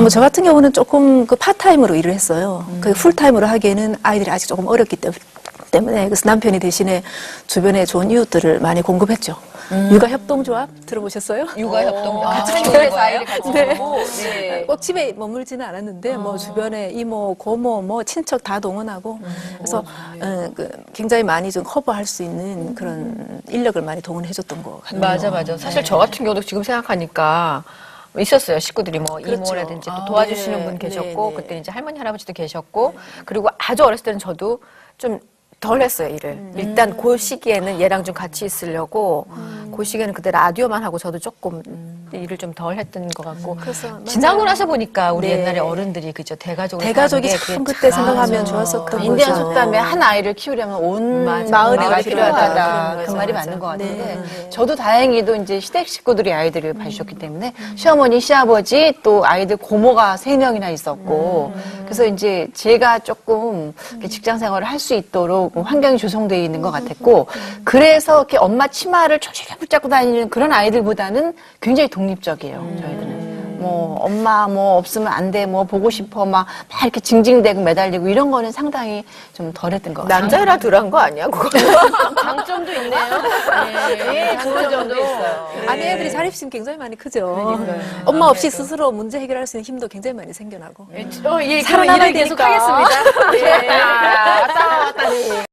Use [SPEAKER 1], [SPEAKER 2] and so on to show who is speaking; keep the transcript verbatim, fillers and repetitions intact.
[SPEAKER 1] 뭐 저 같은 경우는 조금 그 파타임으로 일을 했어요. 음. 그 풀타임으로 하기에는 아이들이 아직 조금 어렸기 때문에. 때문에 그래서 남편이 대신에 주변에 좋은 이웃들을 많이 공급했죠. 음. 육아협동조합 들어보셨어요?
[SPEAKER 2] 육아협동조합.
[SPEAKER 1] 아,
[SPEAKER 2] 같이 집에서 아이를 같이
[SPEAKER 1] 네.
[SPEAKER 2] 보고. 네.
[SPEAKER 1] 꼭 집에 머물지는 않았는데 어. 뭐 주변에 이모, 고모, 뭐 친척 다 동원하고 음. 그래서 어, 그 굉장히 많이 좀 커버할 수 있는 그런 인력을 많이 동원해줬던 것 같아요.
[SPEAKER 2] 맞아, 맞아. 사실 네. 저 같은 경우도 지금 생각하니까 있었어요. 식구들이 뭐
[SPEAKER 1] 그렇죠.
[SPEAKER 2] 이모라든지
[SPEAKER 1] 아,
[SPEAKER 2] 또 도와주시는
[SPEAKER 1] 네.
[SPEAKER 2] 분 계셨고
[SPEAKER 1] 네, 네.
[SPEAKER 2] 그때 이제 할머니 할아버지도 계셨고 그리고 아주 어렸을 때는 저도 좀 덜 했어요, 일을. 음. 일단 그 시기에는 얘랑 좀 같이 있으려고 음. 그 시기에는 그때 라디오만 하고 저도 조금 음. 일을 좀 덜 했던 것 같고
[SPEAKER 1] 그래서
[SPEAKER 2] 지나고 나서 보니까 우리
[SPEAKER 1] 네.
[SPEAKER 2] 옛날에 어른들이 그죠 대가족으로
[SPEAKER 1] 대가족이
[SPEAKER 2] 사는 게
[SPEAKER 1] 참 그때 생각하면
[SPEAKER 2] 맞아.
[SPEAKER 1] 좋았었던
[SPEAKER 3] 인디안
[SPEAKER 1] 거죠.
[SPEAKER 3] 속담에 한 아이를 키우려면 온
[SPEAKER 2] 맞아.
[SPEAKER 3] 마을이
[SPEAKER 1] 마을이
[SPEAKER 3] 필요하다.
[SPEAKER 1] 필요하다.
[SPEAKER 3] 그 말이
[SPEAKER 1] 맞아.
[SPEAKER 3] 맞는 것 같은데
[SPEAKER 1] 네, 네.
[SPEAKER 3] 저도 다행히도 이제 시댁 식구들이 아이들을 봐주셨기 때문에 시어머니, 시아버지 또 아이들 고모가 세 명이나 있었고 그래서 이제 제가 조금 직장 생활을 할 수 있도록 환경이 조성되어 있는 것 같았고 그래서 이렇게 엄마 치마를 초실게 붙잡고 다니는 그런 아이들보다는 굉장히 독립적이에요. 저희들은. 뭐 엄마 뭐 없으면 안 돼, 뭐 보고 싶어 막, 막 이렇게 징징대고 매달리고 이런 거는 상당히 좀 덜했던 것 같아요.
[SPEAKER 2] 남자라 덜한 거 아니야, 그거?
[SPEAKER 3] 장점도 있네요. 네, 좋은 점도 있어요.
[SPEAKER 1] 아내들이 자립심 굉장히 많이 크죠. 엄마 없이 스스로 문제 해결할 수 있는 힘도 굉장히 많이 생겨나고.
[SPEAKER 2] 어, 예,
[SPEAKER 1] 살아남아야
[SPEAKER 2] 계속
[SPEAKER 1] 되니까.
[SPEAKER 2] 하겠습니다.
[SPEAKER 3] 네. 왔다 왔다 왔다.